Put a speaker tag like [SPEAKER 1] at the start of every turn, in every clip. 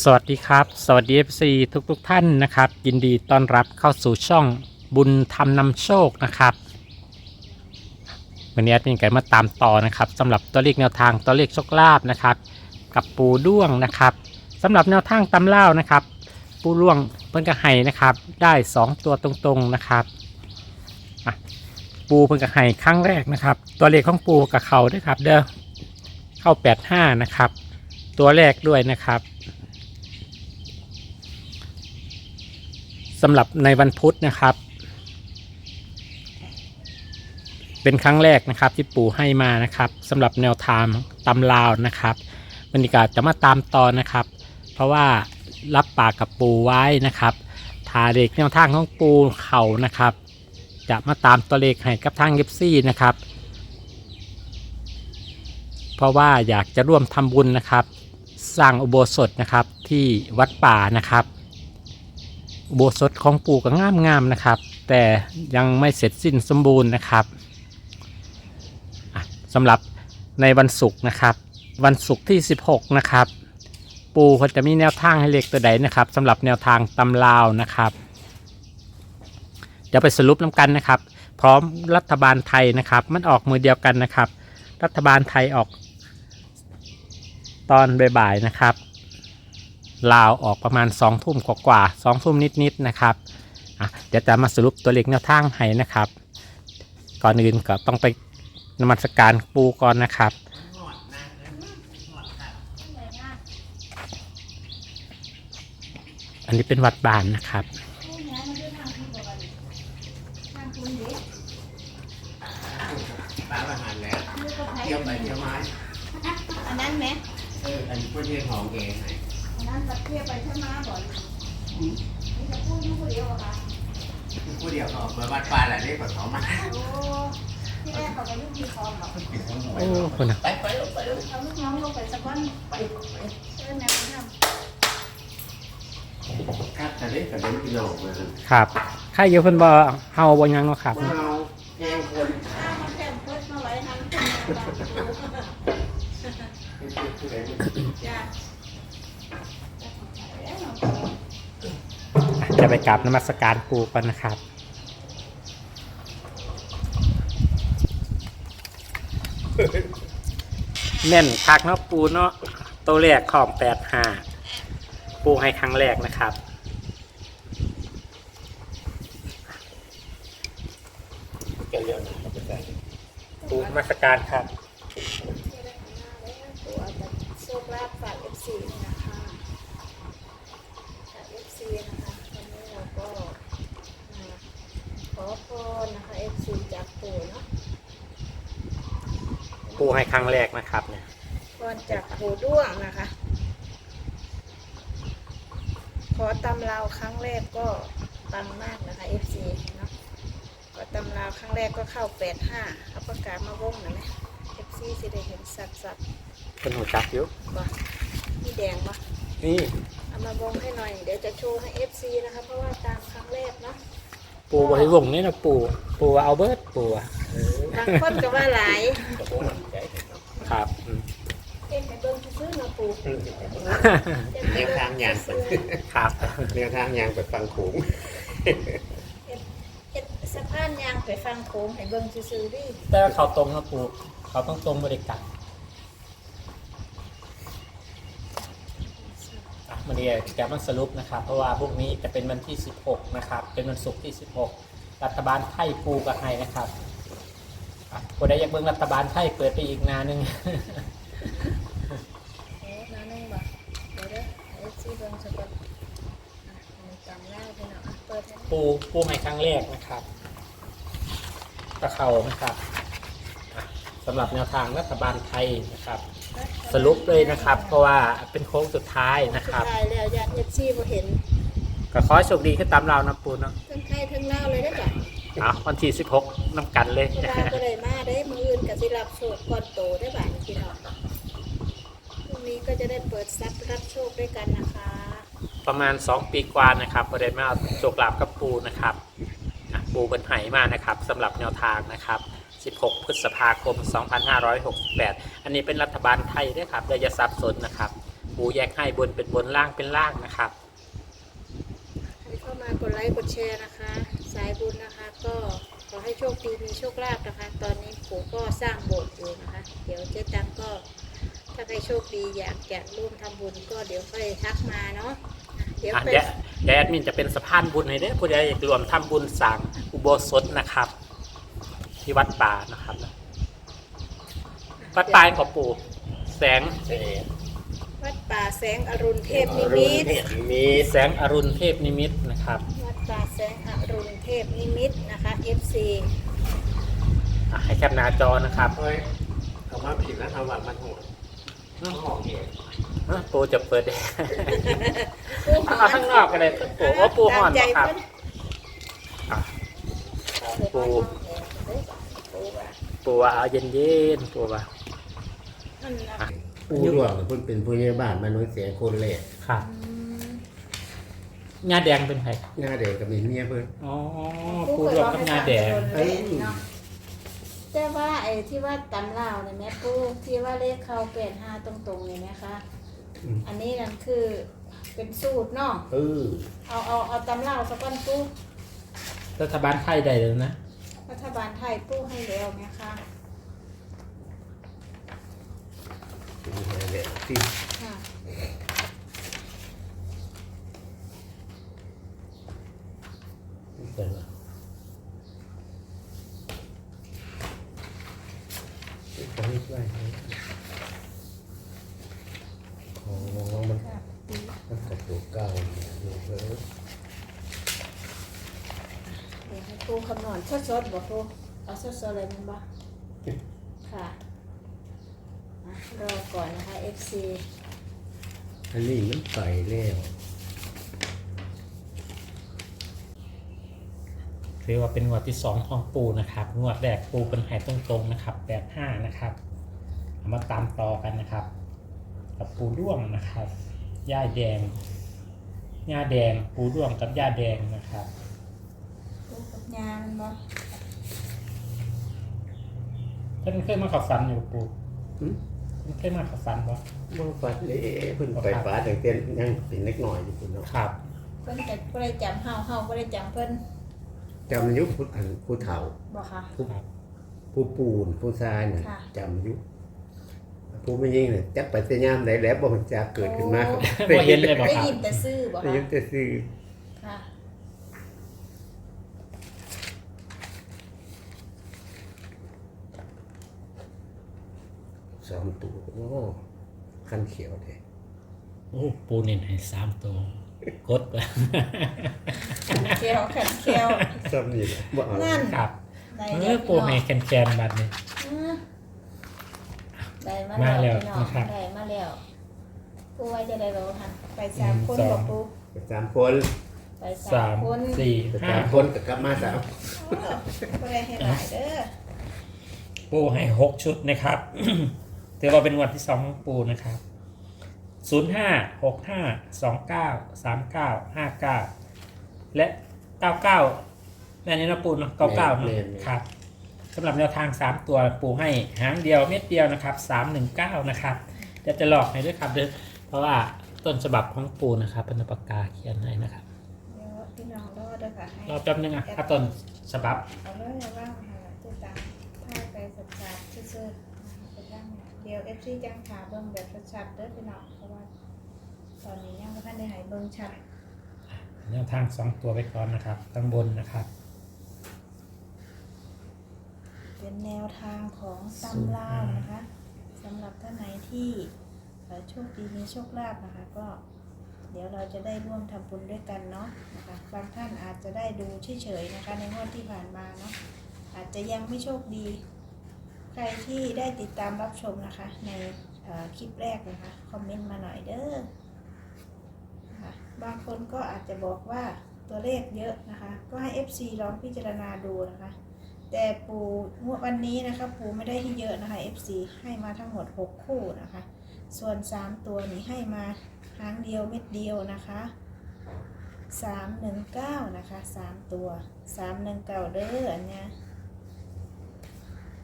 [SPEAKER 1] สวัสดีครับสวัสดี FC ทุกท่านนะครับยินดีต้อนรับเข้าสู่ช่องบุญธรรมนำโชคนะครับวันนี้แอดมินไก่มาตามต่อนะครับสำหรับตัวเลขแนวทางตัวเลขโชคลาภนะครับกับปูด้วงนะครับสำหรับแนวทางตำเล่านะครับปูด้วงเพิ่นกระไห้นะครับได้2ตัวตรงๆนะครับปูเพิ่นกระไห้ครั้งแรกนะครับตัวเลขของปูกับเขาด้วยครับเด้อเข้า85นะครับตัวแรกด้วยนะครับสำหรับในวันพุธนะครับเป็นครั้งแรกนะครับที่ปู่ให้มานะครับสำหรับแนวทางตำราวนะครับบรรยากาศจะมาตามต่อนะครับเพราะว่ารับปากกับปู่ไว้นะครับถ้าเด็กแนวทางของปู่เขานะครับจะมาตามตัวเลขให้กับทางเอฟซีนะครับเพราะว่าอยากจะร่วมทำบุญนะครับสร้างอุโบสถนะครับที่วัดป่านะครับอุโบสถของปู่ก็งามๆนะครับแต่ยังไม่เสร็จสิ้นสมบูรณ์นะครับสำหรับในวันศุกร์นะครับวันศุกร์ที่16นะครับปู่เขาจะมีแนวทางให้เลขตัวใดนะครับสำหรับแนวทางตำราวนะครับเดี๋ยวไปสรุปน้ำกันนะครับพร้อมรัฐบาลไทยนะครับมันออกมือเดียวกันนะครับรัฐบาลไทยออกตอนบ่ายๆนะครับลาวออกประมาณ2 ทุ่มกว่า2 ทุ่มนิดๆนะครับเดี๋ยวจะมาสรุปตัวเลขแนวทางให้นะครับก่อนอื่นก็ต้องไปนมัสการปูก่อนนะครับอันนี้เป็นวัดบ้านนะครับ
[SPEAKER 2] ร้านอาหารแล้วเที่ยวไปเที่ยวมา
[SPEAKER 3] อันนั้นไหม
[SPEAKER 2] อันนี้พูดเรื่องของเองไง
[SPEAKER 3] อันนั้นตะเกียบไปใช่ไหมบ่อยนี่จะพูดยุ่งคนเดียวเหรอคะ
[SPEAKER 2] พูดเดียวเขาเมื่อวัดป่าแหละเรียกเขามา
[SPEAKER 3] โอ้ที่แรกเขาไปยุ่งที่คอมหรอ
[SPEAKER 1] โอ้คนนะ
[SPEAKER 2] ไป
[SPEAKER 3] เอาลูกน้องลงไปสักวันไปเชิญแนวทำ
[SPEAKER 2] ครับแต่เล่นกับเล่นกิโลมา
[SPEAKER 1] ครับใครเยอะเพิ่นบ่เฮาบ่ยังเนาะครับ
[SPEAKER 2] เราแย่งคน
[SPEAKER 3] มาแค่เพิ่มมาไว้ทำ
[SPEAKER 1] จะไปกราบนมัสการปูก่อนนะครับแน่นคักเนาะปูเนาะตัวแรกของ85ปูให้ครั้งแรกนะครับปูนมัสการครับ
[SPEAKER 3] ตัวจะโชคลาภฝาก FC นะคะฝาก FC นะคะวันนี้เราก็ขอพรนะคะ FC จากปู่เนาะ
[SPEAKER 1] ปูให้ครั้งแรกนะครับเนี่ย
[SPEAKER 3] พรจากปู่ด้วงนะคะ ขอตำราวครั้งแรกก็ปังมากนะคะ FC เนาะขอตำราวครั้งแรกก็เข้า85เขาประกาศมาวงนะไหม FC สิได้เห็นสัตว์
[SPEAKER 1] เป็นหัวจักอยู่
[SPEAKER 3] บ่นี่แดงบ่
[SPEAKER 1] นี่
[SPEAKER 3] เอามาวงให้หน่อยเดี๋ยวจะโชว์ให้ FC นะคะเพราะว่าตามครั้งแรกเนาะ
[SPEAKER 1] ปูไว้วงนี่นะปูเอาเบิร์ดปู
[SPEAKER 3] บางคนก็ว่าหลาย
[SPEAKER 1] ครับ
[SPEAKER 3] เอ็นไปเบิ่งซื้อเนาะปู่
[SPEAKER 2] เลี้ยงทางยาง
[SPEAKER 1] ครับ
[SPEAKER 2] เลี้ยงทางยางไปฟังขูง
[SPEAKER 3] เอ็ดสะพานยางไปฟังโค้งให้เบิ่งซื้อดิ
[SPEAKER 1] แต่เขาตรงนะปูเขาต้องตรงบริการมันเนี่ยแกมันสรุปนะครับเพราะว่าพวกนี้จะเป็นวันที่16นะครับเป็นวันศุกร์ที่16รัฐบาลไทยปูกับไทยนะครับคนใดอยากเบิ่งรัฐบาลไทยเปิดไปอีกนานึง
[SPEAKER 3] นานึงบ่เดี๋ยวเด้อไอ้ซีเบิ่งสักก่อนจำได้ไปเนาะเปิด
[SPEAKER 1] ปูให้ครั้งแรกนะครับตะเขานะครับสำหรับแนวทางรัฐบาลไทยนะครับสรุปเลยนะครับเพราะว่าเป็นโค้งสุดท้ายนะครับ
[SPEAKER 3] สุดท้ายแล้วญาติ FC บ่เห็น
[SPEAKER 1] ก็ขอโชคดีขึ้นตามเรานะปูเนาะ
[SPEAKER 3] ทั้งไทยทั้งลาวเลยได้จ้ะ
[SPEAKER 1] วันที่16น้ำกันเลย
[SPEAKER 3] ลาวก็เลยมาได้มื้ออื่นก็สิรับโชคก่อนโตได้บ่ายพี่น้องพรุ่งนี้ก็จะได้เปิดทรัพย์รับโชคด้วยกันนะคะ
[SPEAKER 1] ประมาณ2 ปีกว่านะครับพอได้มาโชคลาภกับปูนะครับปูเป็นไหมานะครับสำหรับแนวทางนะครับ16 พฤษภาคม 2568อันนี้เป็นรัฐบาลไทยด้วยครับอย่าสับสนนะครับปูแยกให้บนเป็นบนล่างเป็นล่างนะครับ
[SPEAKER 3] ใครเข้ามากดไลค์กดแชร์นะคะ สายบุญนะคะ ก็ขอให้โชคดีมีโชคลาภนะคะ ตอนนี้ปู่ก็สร้างโบสถ์อยู่นะคะ เดี๋ยวเจ๊ตังก็ถ้าใครโชคดีอยากจะร่วมทำบุญก็เดี๋ยวค่อยทักมาเนาะเดี๋ยว
[SPEAKER 1] อ่ะ
[SPEAKER 3] ไป
[SPEAKER 1] เดี๋ยวแอดมินจะเป็นสะพานบุญให้เด้อผู้ใดอยากรวมทำบุญสร้างอุโบสถนะครับ ที่วัดป่านะครับวัดป่าของปู่แสง
[SPEAKER 3] วัดป่าแสงอรุณเทพนิมิต
[SPEAKER 1] แสงอรุณเทพนิมิตนะครับ
[SPEAKER 3] วัดป่าแสงอรุณเทพนิมิตนะคะ FC
[SPEAKER 1] ให้แคปหน้าจอนะครับ
[SPEAKER 2] เฮ้ยเขามาผิดแล้วทำว่ามันหัวมันหอกเอง
[SPEAKER 1] ปูจะเปิดแอร์
[SPEAKER 3] ปูห
[SPEAKER 1] เอาข้างนอกกันเลยปูว่าปูห่อน
[SPEAKER 3] ใจ
[SPEAKER 1] นะครับ
[SPEAKER 3] เพิ่น
[SPEAKER 1] อ่ะ
[SPEAKER 3] ปู
[SPEAKER 1] ปูว่าเอาเย็นๆปูว่า
[SPEAKER 3] นั่นนะ
[SPEAKER 2] ผู้ร่วงเพิ่นเป็นผู้ใหญ่บ้านมาน้อยเสียคนแรก
[SPEAKER 1] ครับงาแดงเป็นไง
[SPEAKER 2] หน้าเด็กกับเมียเพิ่น
[SPEAKER 1] อ๋อปูรวมกับงาแดง
[SPEAKER 3] เอ้ยเนาะแต่ว่าไอ้ที่ว่าตำลาวเนี่ยแม่ปูที่ว่าเลขเข้า85ตรงๆเนี่ยไหมคะอันนี้นั่นคือเป็นสูตรเนาะเอาตำลาวสักก้อนปู
[SPEAKER 1] รัฐบาลไทยได้เลยนะ
[SPEAKER 3] รัฐบาลไทยปูให้แล้วไหมคะ
[SPEAKER 2] ที่
[SPEAKER 3] ค่ะ
[SPEAKER 1] เปิดว่า
[SPEAKER 2] เขาเรียกว่าอ๋อมัน
[SPEAKER 3] ค่ะปี
[SPEAKER 2] มันกับตัวเก่าอยู่เพิ่น
[SPEAKER 3] เดี๋ยวให้ปูคำนวณสดๆบอกปูเอาสดๆเลยมันบ่ค่ะอ่ะรอก่อนนะคะ FC
[SPEAKER 2] อันนี้มันไปแล้ว
[SPEAKER 1] ถือว่าเป็นงวดที่2ของปูนะครับงวดแรกปูเป็นไห่ตรงๆนะครับ85นะครับเอามาตามต่อกันนะครับ กับปูด้วงนะครับย่าแดงย่าแดงปูด้วงกับย่าแดงนะครับ
[SPEAKER 3] ปูกับยามันบ่
[SPEAKER 1] เพิ่นเคยมาเขับฟันอยู่ปู
[SPEAKER 2] หึ
[SPEAKER 1] เพิ่นเคยมาเขับฟันบ่
[SPEAKER 2] บ่ฟัดเลยเพิ่นไปฟ้าตั้งแต่ยังเป็นเล็กน้อยอยู่พุ่นเนาะ
[SPEAKER 1] ครับ
[SPEAKER 3] เพิ่นแต่บ่ได้จำเฮาบ่ได้จำเพิ่น
[SPEAKER 2] จำอายุผู้เฒ่า
[SPEAKER 3] บ่ค่ะ
[SPEAKER 1] ครับ
[SPEAKER 2] ผู้ปูนผู้ชายน่ะ
[SPEAKER 3] ค่ะ
[SPEAKER 2] จำอายุผู้ไม่ยิ่งเนี่ยจักไปแต่ยามใดแล้วบ่รู้จักเกิดขึ้นมา
[SPEAKER 1] บ่เห็นเลยบ่
[SPEAKER 3] ได้
[SPEAKER 1] ครับ
[SPEAKER 3] ยินแต่ซื่อบ่
[SPEAKER 2] ได้
[SPEAKER 3] ค่ะ
[SPEAKER 2] ยินแต่ชื่อ
[SPEAKER 3] ค่ะ
[SPEAKER 2] สองตัวโอ้คันเขียวแท้
[SPEAKER 1] โอ้ปูเน้นให้3ตัวกดไป
[SPEAKER 3] แก้วขันแก้ว
[SPEAKER 2] ซ้ำนี่แหละบ่เอา
[SPEAKER 3] นั่น
[SPEAKER 1] ครับ
[SPEAKER 3] ได้
[SPEAKER 1] เอ
[SPEAKER 3] แล้ว
[SPEAKER 1] อปูให้แคนๆบัดนี้
[SPEAKER 3] ได้มา
[SPEAKER 1] มาแล้
[SPEAKER 3] แล้ว วพี่น้อง
[SPEAKER 1] นะครับ
[SPEAKER 3] ได้มาแล้วปูไว้จะได้รู้ค่ะไป3คนบ่ปู
[SPEAKER 2] สามคน
[SPEAKER 3] ไป
[SPEAKER 1] สาม
[SPEAKER 3] 3คน
[SPEAKER 1] สี่
[SPEAKER 2] สา
[SPEAKER 1] ห้าม
[SPEAKER 2] คนก็กลับมาสาม
[SPEAKER 3] บ่ได้ให้หลายเด้อ
[SPEAKER 1] ปูให้6ชุดนะครับ ถือว่าเป็นงวดที่2ของปูนะครับ05 65 29 39 59 และ 99แม่นี้นะปูเนาะ99เนาะครับสำหรับแนวทาง 3 ตัวปูให้หางเดียวเม็ดเดียวนะครับ319นะครับเดี๋ยวจะหลอกให้ด้วยครับเด้อเพราะว่าต้นฉบับของปูนะครับเป็นปากกาเขียนให้นะครับ
[SPEAKER 3] เดี๋ยวพี่น้องรอเด้อค่ะให้
[SPEAKER 1] รอแป๊บนึงอ่ะถ้าต้นฉบับ
[SPEAKER 3] เอาเลยเอาว่างค่ะติดตามถ่ายไปชัดๆซื่อๆไปย่างเดี๋ยว FC จังถาเบิ่งแบบชัดๆเด้อพี่น้องเพราะว่าตอนนี้ยังบ่ทันได้ให้เบิ่งชัด
[SPEAKER 1] แนวทาง2ตัวไปก่อนนะครับข้างบนนะครับ
[SPEAKER 3] เป็นแนวทางของตำราวนะคะสำหรับท่านไหนที่โชคดีมีโชคลาภนะคะก็เดี๋ยวเราจะได้ร่วมทำบุญด้วยกันเนาะนะคะบางท่านอาจจะได้ดูเฉยๆนะคะในงวดที่ผ่านมาเนาะอาจจะยังไม่โชคดี ใครที่ได้ติดตามรับชมนะคะในคลิปแรกนะคะคอมเมนต์มาหน่อยเด้อนะคะบางคนก็อาจจะบอกว่าตัวเลขเยอะนะคะก็ให้ FC ลองพิจารณาดูนะคะแต่ปูวันนี้นะคะปูไม่ได้ให้เยอะนะคะ FC ให้มาทั้งหมด6คู่นะคะส่วน3ตัวนี้ให้มาหางเดียวเม็ดเดียวนะคะ319นะคะ3ตัว319เด้ออันเนี้ย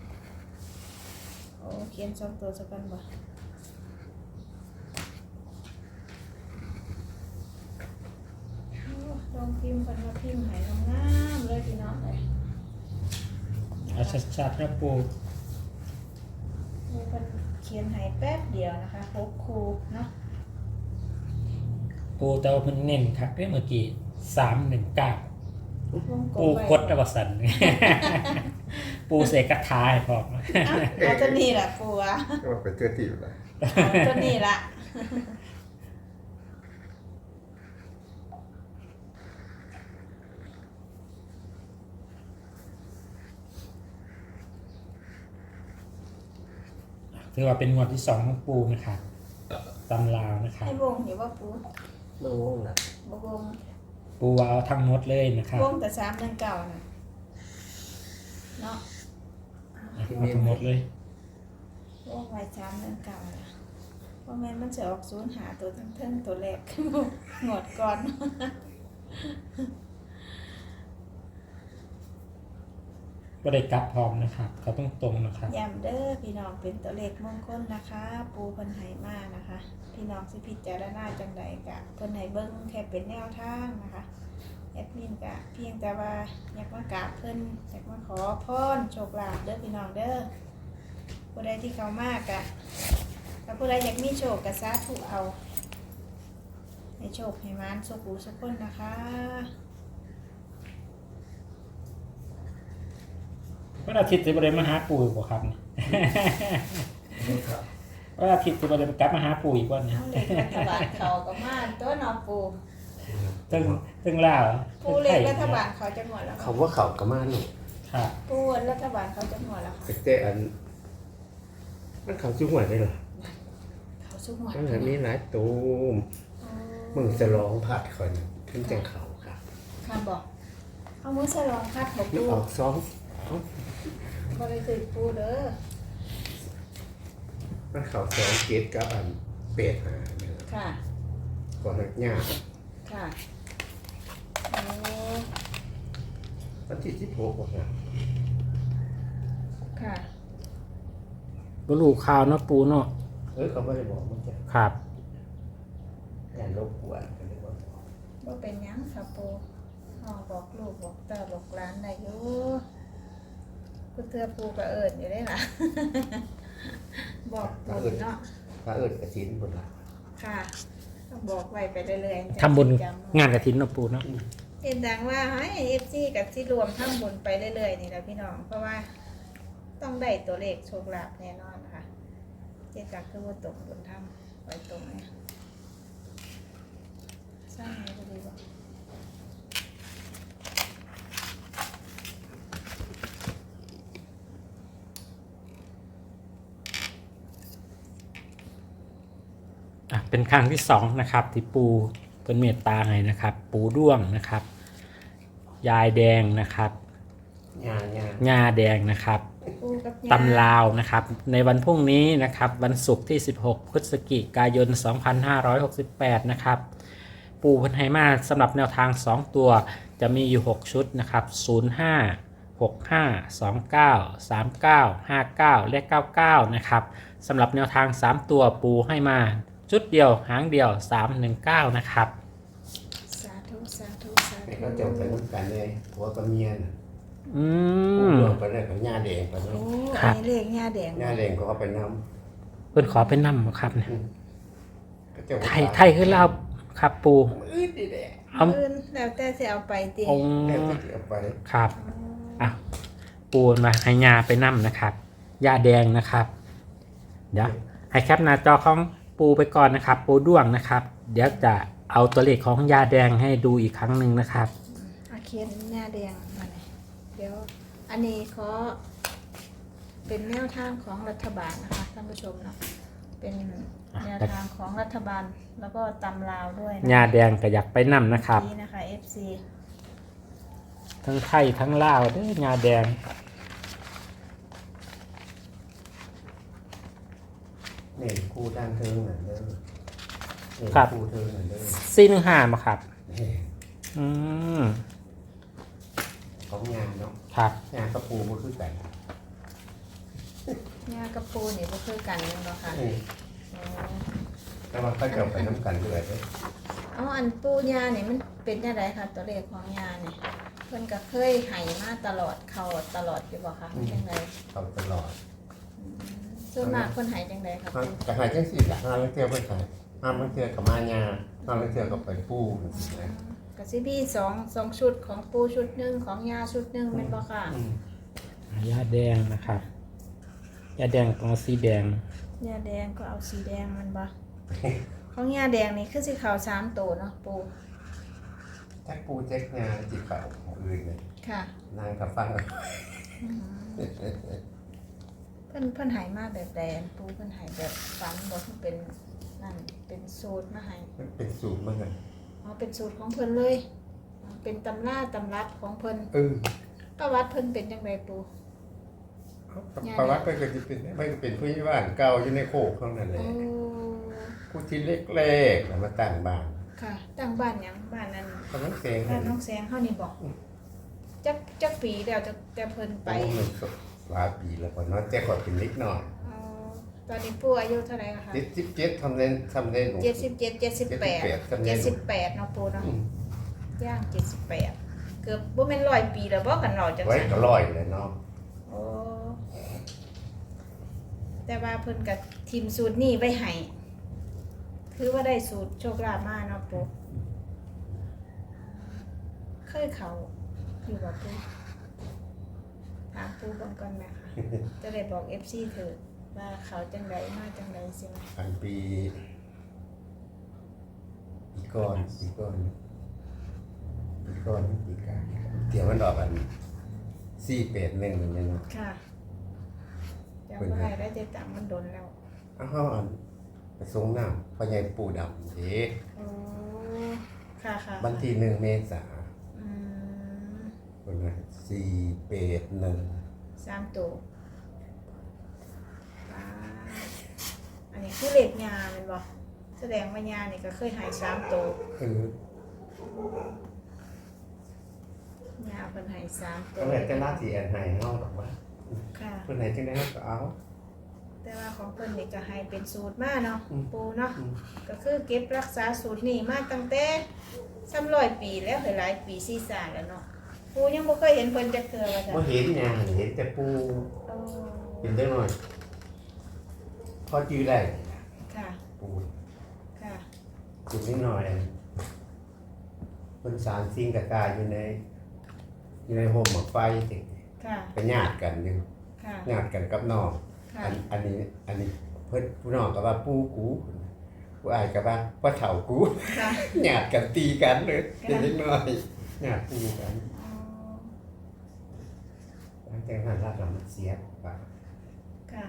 [SPEAKER 3] โอ้เขียน2ตัวสักกันบ่พ์คนมาพิมพ์ใหายงามๆเลยพี่น้องเลย
[SPEAKER 1] เอาชัดๆนะปู
[SPEAKER 3] มีคนเขียนใหายแป๊บเดียวนะคะพบครูเนาะ
[SPEAKER 1] ปูเตาเพิ่นเน้นครับเมื่อกี้319
[SPEAKER 3] วงกล
[SPEAKER 1] ปู
[SPEAKER 3] มไว้
[SPEAKER 1] คดอวสัน ปูเสกกระทายพร้อม
[SPEAKER 3] เอาตัวนี้แหละปูอะ
[SPEAKER 2] ก็เป็นเจ้าที่อยู่แล้ว
[SPEAKER 3] เอาตัวนี้ละ
[SPEAKER 1] ถือว่าเป็นงวดที่2ของปูนะครับตำลาวนะครับ
[SPEAKER 3] ให้วงอยู่ว่าปู
[SPEAKER 2] เมื่อวงนะ
[SPEAKER 3] บ่วง
[SPEAKER 1] ปูว่าเอาทั้งหมดเลยนะครับ
[SPEAKER 3] วงแต่319น่ะเนาะ
[SPEAKER 1] เอาทั้งหมดเลย
[SPEAKER 3] วงไว้319น่ะเพราะแม่นมันจะออก0หาตัวทั้งเทิงตัวแรก งวดก่อน
[SPEAKER 1] ก็ได้กลับพร้อมนะครับ เขาต้องตรงนะครับ
[SPEAKER 3] ย้ำเด้อพี่น้องเป็นตัวเลขมงคลนะคะ ปูเพิ่นให้มานะคะ พี่น้องสิพิจารณาจังใดกะเพิ่นให้เบิ่งแค่เป็นแนวทางนะคะแอดมินกะเพียงแต่ว่าอยากมากราบเพิ่นอยากมาขอพรโชคลาภเด้อพี่น้องเด้อผู้ใดที่เขามากกะถ้าผู้ใดอยากมีโชคกะสาธุเอาให้โชคให้มานสุขหูสุขคนนะคะ
[SPEAKER 1] วันอาทิตย์จะไปเรียนมาหาปู่อีกบ่ครับเนี่ย
[SPEAKER 2] ครับ
[SPEAKER 1] วันอาทิตย์จะไปเรียนกลับมาหาปู่อีกวันเนี่ย
[SPEAKER 3] เอาเลขรัฐบาลเขาก็มาตัวน้องปู
[SPEAKER 1] ตึงล่าว
[SPEAKER 3] ปูเลขรัฐบาลเขาจะหมดแล้ว
[SPEAKER 2] เขาว่าเขากระมาหนู
[SPEAKER 1] ครับ
[SPEAKER 3] ปูรัฐบาลเขาจะหมดแล้วค่ะ
[SPEAKER 2] แต่อันมันเขาจุ่มหัวได้เหรอ
[SPEAKER 3] เขาสุกหมด
[SPEAKER 2] มันแบบนี้หลายตูม
[SPEAKER 3] อ๋อ
[SPEAKER 2] มึงจะร้องผัดคนขึ้นจังเขาครับ
[SPEAKER 3] ค่ะบอกเอามือสลองคัดบอก
[SPEAKER 2] มัน
[SPEAKER 3] ปู
[SPEAKER 2] ออกซ้อม
[SPEAKER 3] บริสุทธิ์ปูเด้อ
[SPEAKER 2] มันเขาซ้อมเกตกับอันเป็ดหาเนี่ย
[SPEAKER 3] ค่ะ
[SPEAKER 2] ก่อนหน้า
[SPEAKER 3] ค่ะโอ้
[SPEAKER 2] วันที่16บอกนะ
[SPEAKER 3] ค่ะ
[SPEAKER 1] บ่รู้ข่าวเนาะปู่เนาะ
[SPEAKER 2] เขาไม่ได้บอกมันจะ
[SPEAKER 1] ครับ
[SPEAKER 2] การรบกวนกันเลยว่า
[SPEAKER 3] ว่าเป็นหยังค่ะปูอ๋อบอกลูกบอกตาบอกร้านได้อยู่กูเตือปูก็เอิญอยู่ได้ล่ะ บอกปูเนาะ
[SPEAKER 2] พระเอิญกระสินบนหลัง
[SPEAKER 3] ค่ะต้องบอกไว้ไปเรื่อยๆ
[SPEAKER 1] ทำบุญ
[SPEAKER 3] จำ
[SPEAKER 1] งานกฐินเนาะปู่เนาะ
[SPEAKER 3] เห็นดังว่าให้เอฟซีกับที่รวมทำบุญไปเรื่อยๆนี่แหละพี่น้อง เพราะว่าต้องได้ตัวเลขโชคลาภแน่นอนนะคะเจ๊จักคือว่าตกบุญทำไปตรงเนี่ยสร้างไงก็ดีบ่
[SPEAKER 1] เป็นครั้งที่2นะครับที่ปูเป็นเมตตาให้นะครับ ปูด้วงนะครับ ยายแดงนะครับ
[SPEAKER 2] งาน
[SPEAKER 1] ญาแดงนะครับ
[SPEAKER 3] ปูกับยา
[SPEAKER 1] ตำลาวนะครับในวันพรุ่งนี้นะครับวันศุกร์ที่16พฤศจิกายน2568นะครับปูพันไหมาสำหรับแนวทาง2ตัวจะมีอยู่6ชุดนะครับ05 65 29 39 59และ99นะครับสำหรับแนวทาง3ตัวปูให้มาชุดเดียวหางเดียว319นะครับ
[SPEAKER 3] สาธุสาธุสา
[SPEAKER 2] แต่
[SPEAKER 3] ธุ
[SPEAKER 2] ก็จบไปน้ำกันเลยผัวกับเมียน่ะ
[SPEAKER 1] อื
[SPEAKER 2] ผู้
[SPEAKER 1] ม
[SPEAKER 2] รวมไปเลยกับญาแดงไป
[SPEAKER 3] โอ้
[SPEAKER 2] เนาะ
[SPEAKER 1] ครั
[SPEAKER 3] อั
[SPEAKER 1] บ
[SPEAKER 3] นนี้เลขย่าแดง
[SPEAKER 2] ญาแดงก็เอาไปน้
[SPEAKER 1] เพิ่นขอเป็นน้ำครับเนี่ย
[SPEAKER 2] ำก็จะ
[SPEAKER 1] ไทยคือเราครับปู
[SPEAKER 2] อื้อดีแดง
[SPEAKER 1] เอา
[SPEAKER 3] อื่นแล้วแต่จะเอาไปตี
[SPEAKER 1] องค์
[SPEAKER 2] แล้วก็จะเอาไป
[SPEAKER 1] ครับอ่ะปูมาให้ยาไปน้ำนะครับยาแดงนะครับเดี๋ยวให้แคปหน้าจอของปูไปก่อนนะครับ ปูด้วงนะครับ เดี๋ยวจะเอาตัวเลขของยาแดงให้ดูอีกครั้งหนึ่งนะครับ
[SPEAKER 3] อาเขียนย่าแดงมาเลยเดี๋ยวอันนี้ขอเป็นแนวทางของรัฐบาลนะคะท่านผู้ชมเนาะเป็นแนวทางของรัฐบาลแล้วก็ตำลาวด้วยนะ
[SPEAKER 1] ยาแดงก็อยากไปน้ำนะครับ
[SPEAKER 3] นี่นะคะ FC
[SPEAKER 1] ทั้งไทยทั้งลาวเด้อยาแดง
[SPEAKER 2] นี่คู่ด้านเทิงนั่นเด้อนี่คู่เทิงนั่นเด้อ
[SPEAKER 1] 415มาครับ
[SPEAKER 2] นี่
[SPEAKER 1] อืม
[SPEAKER 2] ของงานเนาะ
[SPEAKER 1] ครับ
[SPEAKER 2] งานกระปูมันคือกัน
[SPEAKER 3] ย่ากระปูนี่ก็คือกันเนาะค่ะ
[SPEAKER 2] นี่
[SPEAKER 3] อ๋อ
[SPEAKER 2] แต่ว่าเขาจะเอาไปน้ำกันด้วยเด้อ
[SPEAKER 3] เอาอันปูยาเนี่ยมันเป็นยังไงคะตัวเลขของยาเนี่ยเพิ่นก็เคยให้มาตลอดเข้าตลอดอยู่บ่คะเป็นยังไง
[SPEAKER 2] เขาตลอด
[SPEAKER 3] ส่วนมากเพิ่นให้จังไดคะ
[SPEAKER 2] มันกระหายจังสี่ละห้าลังเที่ยวไปขายห้าลังเที่ยวกับมายาห้าลังเที่ยวกับไปปูจังซี่นะ
[SPEAKER 3] ก็สิมีสองชุดของปูชุดหนึงของยาชุดหนึงแม่นบ่ค่ะ
[SPEAKER 1] ยาแดงนะครับยาแดงต้องเอาสีแดง
[SPEAKER 3] ยาแดงก็เอาสีแดงมันบ่ของยาแดงนี่คือสิเข้า3ตัวเนาะปู
[SPEAKER 2] แจ็คปูแจ็คงาจิบเป่าของอื่นเลย
[SPEAKER 3] ค่ะ
[SPEAKER 2] นางกับฟัง
[SPEAKER 3] เพิ่นให้มาแบบแดงปูเพิ่นให้แบบฝันบ่เพิ่นเป็นนั่นเป็นสูตรมาให้
[SPEAKER 2] มันเป็นสูตรมันเลย
[SPEAKER 3] อ๋อเป็นสูตรของเพิ่นเลยอ๋อเป็นตำราตำรับของเพิ่น ประวัติเพิ่นเป็นจังไดปู
[SPEAKER 2] ประวัติมันก็จะเป็นมันก็เป็นผู้ใหญ่บ้านเก่าอยู่ในโคกข้างนั้นเล
[SPEAKER 3] โอ้
[SPEAKER 2] ยผู้ที่เล็กๆแล้วมาตั้งบ้าน
[SPEAKER 3] ค่ะตั้งบ้านหยังบ้านนั้น
[SPEAKER 2] กำลังเสียง
[SPEAKER 3] บ้านน้องแสงเฮานี่บอกจักปีแล้วจะเพิ่นไป
[SPEAKER 2] ไปมันก็หลายปีแล้วพอเนาะแต่ก่อนเป็นเล็กน้อย
[SPEAKER 3] อ๋อตอนนี้ปู่อายุเท่าไหร่คะ
[SPEAKER 2] 77ทำเล่นหนู
[SPEAKER 3] 77 78 78เนาะปู่เนาะย่าง78เกือบบ่แม่น100ปีแล้วบ่กันเนาะจัง
[SPEAKER 2] ไว้
[SPEAKER 3] ซั่น
[SPEAKER 2] ก็ร้อยเลยเนาะ
[SPEAKER 3] โอ้แต่ว่าเพิ่นก็ทีมสูตรนี้ไว้ให้ถือว่าได้สูตรโชคลาภมาเนาะปู่เคยเขาอยู่บ่ปู่ถามปู่ก่อนก่อนแม่ค่ะ จะได้บอก FC เถอะว่าเขาจังไดมาจังไดสิมา
[SPEAKER 2] อันปีก่อนปีกลางเดี๋ยวมันดอกอัน481นี่เนาะ
[SPEAKER 3] ค่ะจำบ่ได้แล้วจะจำมันโดนแล้ว
[SPEAKER 2] อ้าวอันไปส่งน้ำพ่อใหญ่ปู่ดำเด้
[SPEAKER 3] โอ้ค่ะค่ะ
[SPEAKER 2] วันที่1 เมษายน
[SPEAKER 3] อืม
[SPEAKER 2] เป็นไง481
[SPEAKER 3] 3ตัวว้าอันนี้คือเหล็กยาแมันบ่แสดงว่ายานี่ก็เคยหาย3ตัว
[SPEAKER 2] คือย
[SPEAKER 3] าเพิ่นหาย3ตั
[SPEAKER 2] ก็
[SPEAKER 3] ว
[SPEAKER 2] เลยจะน่าสิแอนให้เฮาดอกว่า
[SPEAKER 3] ค่ะ
[SPEAKER 2] เพิ่นให้จังได๋เฮาก็เอา
[SPEAKER 3] แต่ว่าของเพิ่นนี่ก็ให้เป็นสูตรมาเนาะ
[SPEAKER 2] อืม
[SPEAKER 3] ปูเนาะ
[SPEAKER 2] อืม
[SPEAKER 3] ก็คือเก็บรักษาสูตรนี่มาตั้งแต่300 ปีแล้วหลายปีซีซ่าแล้วเนาะปูยังบ่เคยเห็นเพิ่นจักเทื่อว่าจ้ะ
[SPEAKER 2] บ่เห็นหยังเห็นแต่ปู่
[SPEAKER 3] โอ้
[SPEAKER 2] เห็นได้หน่อยพอจื้อได้
[SPEAKER 3] ค่ะ
[SPEAKER 2] ปู่
[SPEAKER 3] ค่ะ
[SPEAKER 2] จื้อนิดหน่อยเพิ่นสร้างสิ่งกะกายอยู่ในโฮมหมอกไฟสิ
[SPEAKER 3] ค่ะ
[SPEAKER 2] ก็ญาติกันอยู่
[SPEAKER 3] ค่ะ
[SPEAKER 2] ญาติกันกับน้อง
[SPEAKER 3] ค่ะ
[SPEAKER 2] อันนี้เพิ่นผู้น้องก็ว่าปู่กูผู้อ้ายก็ว่าพ่อเฒ่ากู
[SPEAKER 3] ค่ะ
[SPEAKER 2] ญาติกันตีกันเลยเป็นเล็กน้อยญาติตีกัน
[SPEAKER 3] อ๋อ
[SPEAKER 2] หลังจากนั้นเรามันเสียไป
[SPEAKER 3] ค่ะ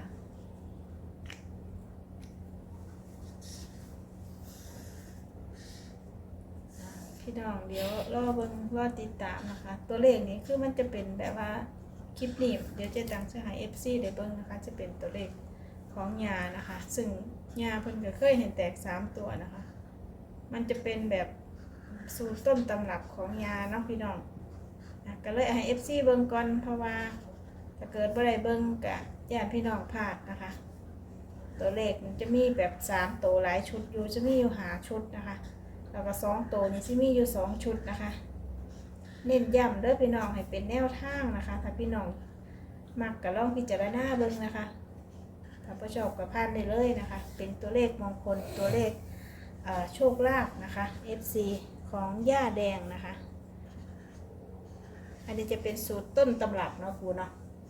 [SPEAKER 3] พี่น้องเดี๋ยวรอเบิ่งรอติดตามนะคะ ตัวเลขนี้คือมันจะเป็นแบบว่าคลิปนี้เดี๋ยวเจะดังจะให้ FC ได้เบิ่งนะคะ จะเป็นตัวเลขของยานะคะ ซึ่งยาเพิ่นก็เคยเห็นแตก3ตัวนะคะ มันจะเป็นแบบสูตรต้นตำรับของยาเนาะพี่น้องนะก็เลยให้ FC เบิ่งก่อนเพราะว่าถ้าเกิดบ่ได้เบิ่งก็ญาติพี่น้องพลาดนะคะ ตัวเลขมันจะมีแบบ3ตัวหลายชุดอยู่จะมีอยู่5ชุดนะคะแล้วก็2ตัวนี้สิมีอยู่2ชุดนะคะ เน้นย้ำเด้อพี่น้องให้เป็นแนวทางนะคะ ถ้าพี่น้องมักก็ลองพิจารณาเบิ่งนะคะถ้าบ่ชอบก็ผ่านได้เลยนะคะ เป็นตัวเลขมงคลตัวเลขโชคลาภนะคะ FC ของย่าแดงนะคะ อันนี้จะเป็นสูตรต้นตำรับเนาะครูเนาะ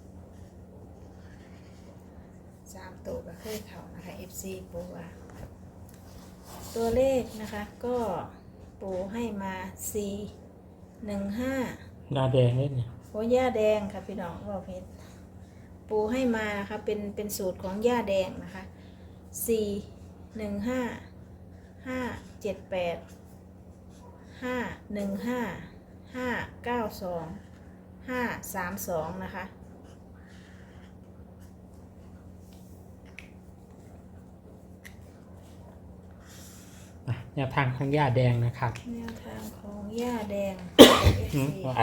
[SPEAKER 3] 3ตัวก็เคยเข้านะคะ FC ปูว่าตัวเลขนะคะก็ปูให้มา415
[SPEAKER 1] ยาแดงนี่เนี่ย
[SPEAKER 3] โอ้ย่าแดงค่ะพี่น้องบอกเพชรปูให้มานะคะเป็นสูตรของย่าแดงนะคะ415 578 515 592 532นะคะ
[SPEAKER 1] แนวทางของยาแดงนะครับ
[SPEAKER 3] แนวทางของย่าแดง
[SPEAKER 1] ว่าไอ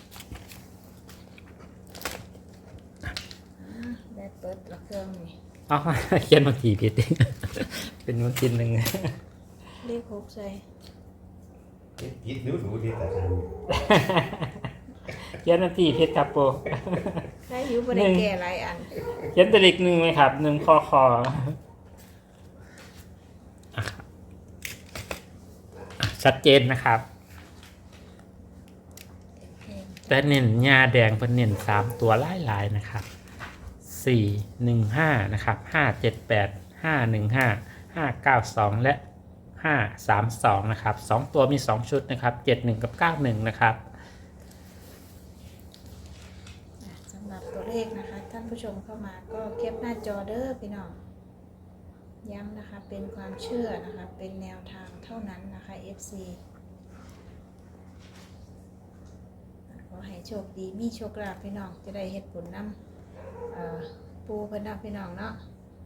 [SPEAKER 3] ได้เปิดละเครื่องนี่
[SPEAKER 1] เอา เขียนบางทีผิด เป็นบางทีหนึ่ง
[SPEAKER 3] เลข6ใส่
[SPEAKER 2] คิดดูดิแต่ท
[SPEAKER 1] เขียนนาทีเพชรครับปู
[SPEAKER 3] ได้อยู่บ่ได้แก่หลายอัน
[SPEAKER 1] เขียนตัวเลขหนึ่งไหมครับหนึ่งคอชัดเจนนะครับแต่เน้นยาแดงเป็นเน้น3 ตัวหลายๆนะครับ415นะครับ578 515 592และ532นะครับ2ตัวมี2ชุดนะครับ71กับ91นะครับ
[SPEAKER 3] สำหรับตัวเลขนะคะท่านผู้ชมเข้ามาก็แคปหน้าจอเด้อพี่น้องย้ำนะคะเป็นความเชื่อนะคะเป็นแนวทางเท่านั้นนะคะ FC ขอให้โชคดีมีโชคลาภพี่น้องจะได้เฮ็ดผลนำปูเพิ่นนำพี่น้องเนาะ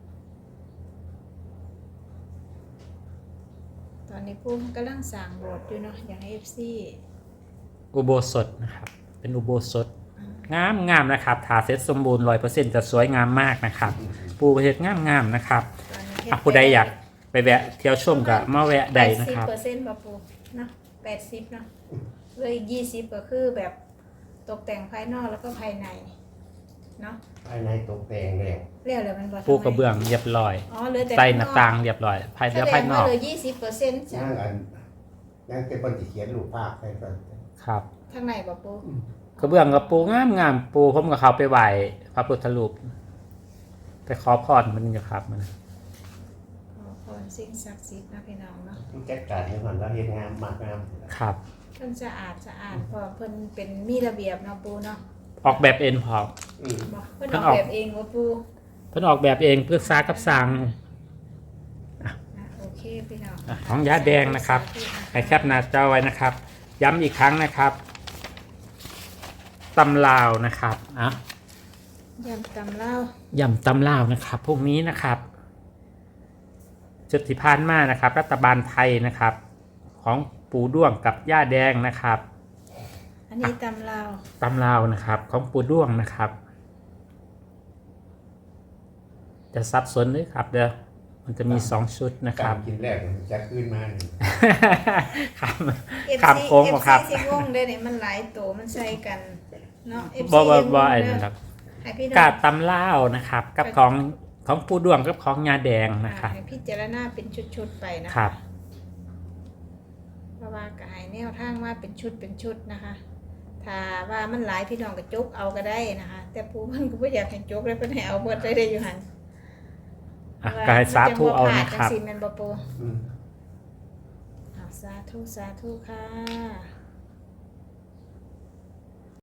[SPEAKER 3] ตอนนี้ปูกำลังสร้างโบสถ์อยู่เนาะอยากให้ FC
[SPEAKER 1] อุโบสถนะครับเป็นอุโบสถงามนะครับถ้าเสร็จสมบูรณ์ 100% จะสวยงามมากนะครับ ปูประเทศงามๆนะครับ
[SPEAKER 3] ตอนนี้เฮ็
[SPEAKER 1] ผู้ใดอยากไปแวะเที่ยวชมก็มาแวะใดนะครับ
[SPEAKER 3] 80%บ่ปูเนาะ80เนาะเหลืออีก20ก็คือแบบตกแต่งภายนอกแล้วก็ภายในเนาะ
[SPEAKER 2] ำภายในตกแต่งแล้ว
[SPEAKER 3] เรียกเลยมันบ่
[SPEAKER 1] ปูกระเบื้องเรียบร้อย
[SPEAKER 3] อ๋อเหลือแต่
[SPEAKER 1] ใส่หน้าต่างเรียบร้อยภาย
[SPEAKER 3] แส
[SPEAKER 1] ใน
[SPEAKER 3] ด
[SPEAKER 1] ภาย
[SPEAKER 3] ง
[SPEAKER 1] น
[SPEAKER 3] ว่า
[SPEAKER 1] อก
[SPEAKER 3] เหลือ20%จ้ะ
[SPEAKER 2] ยังเป็นคนที่เขียนรูปภาพให้ก่อน
[SPEAKER 1] ครับ
[SPEAKER 3] ข้างในบ่ปู
[SPEAKER 1] กระเบื้องกับปูงามปูผมกับเขาไปไหว้พระพุทธรูปไปขอพรมันอยู่ครับมัน
[SPEAKER 3] ขอพรสิ่งศักดิ์สิทธิ์นะพี่น้องเนาะ
[SPEAKER 2] ผู้จัดการให้มันแล้วเฮ็ดงามมากงาม
[SPEAKER 1] ครับ
[SPEAKER 3] เพิ่นสะอาดเพราะเพิ่นเป็นมีระเบียบเนาะปูเนาะ
[SPEAKER 1] ออกแบบเองพอ
[SPEAKER 3] บ่เพิ่น
[SPEAKER 1] เพิ่
[SPEAKER 3] อน อ
[SPEAKER 1] ออก ก
[SPEAKER 3] แบบเองว่าปู
[SPEAKER 1] เพิ่นออกแบบเองเพื่อซ่ากับสร้าง
[SPEAKER 3] โอเคพี่น้อง
[SPEAKER 1] ของยาแดงนะครับให้แคปหน้าจอไว้นะครับ ย้ำอีกครั้งนะครับตำลาวนะครับอ่ะ
[SPEAKER 3] ยำตำเล่า
[SPEAKER 1] ย่ำตำลาวนะครับพวกนี้นะครับจุดที่ผ่านมานะครับ รัฐบาลไทยนะครับ ของปูด้วงกับย่าแดงนะครับ
[SPEAKER 3] อันนี้ตำเล่า
[SPEAKER 1] ตำลาวนะครับ ของปูด้วงนะครับ จะซับซ้อนเลยครับเด้อมันจะมี2 ชุดนะครับ
[SPEAKER 2] กินแรกมันจะขึ้นมานี่
[SPEAKER 1] ครับ
[SPEAKER 3] FC
[SPEAKER 1] ข้ามโค้งบ่ครับ
[SPEAKER 3] FC สิงงได้นี่มันหลายโตมันใส่กันเนาะ FC
[SPEAKER 1] บ่ไอ้
[SPEAKER 3] ยังงง
[SPEAKER 1] นั่น
[SPEAKER 3] เด้
[SPEAKER 1] ครับ
[SPEAKER 3] ให้พี่น้
[SPEAKER 1] กา
[SPEAKER 3] อง
[SPEAKER 1] ตำลาวนะครับ กับของปูด้วงกับของยาแดงนะครับ
[SPEAKER 3] ให้พิจารณาเป็นชุดๆไปนะ
[SPEAKER 1] ครั
[SPEAKER 3] คะ
[SPEAKER 1] บ
[SPEAKER 3] เพราะว่าก็ให้แนวทางว่าเป็นชุดนะคะ ถ้าว่ามันหลายพี่น้องก็จกเอาก็ได้นะคะ แต่ผู้เพิ่นก็บ่อยากให้จกเลยเพิ่นให้เอาเบิดเลยได้อยู่หั่น
[SPEAKER 1] อ่ะก็ให้สาธุเอานะครับ
[SPEAKER 3] จังซี่แม่นบ่ปู
[SPEAKER 2] อืม
[SPEAKER 3] สาธุค่ะ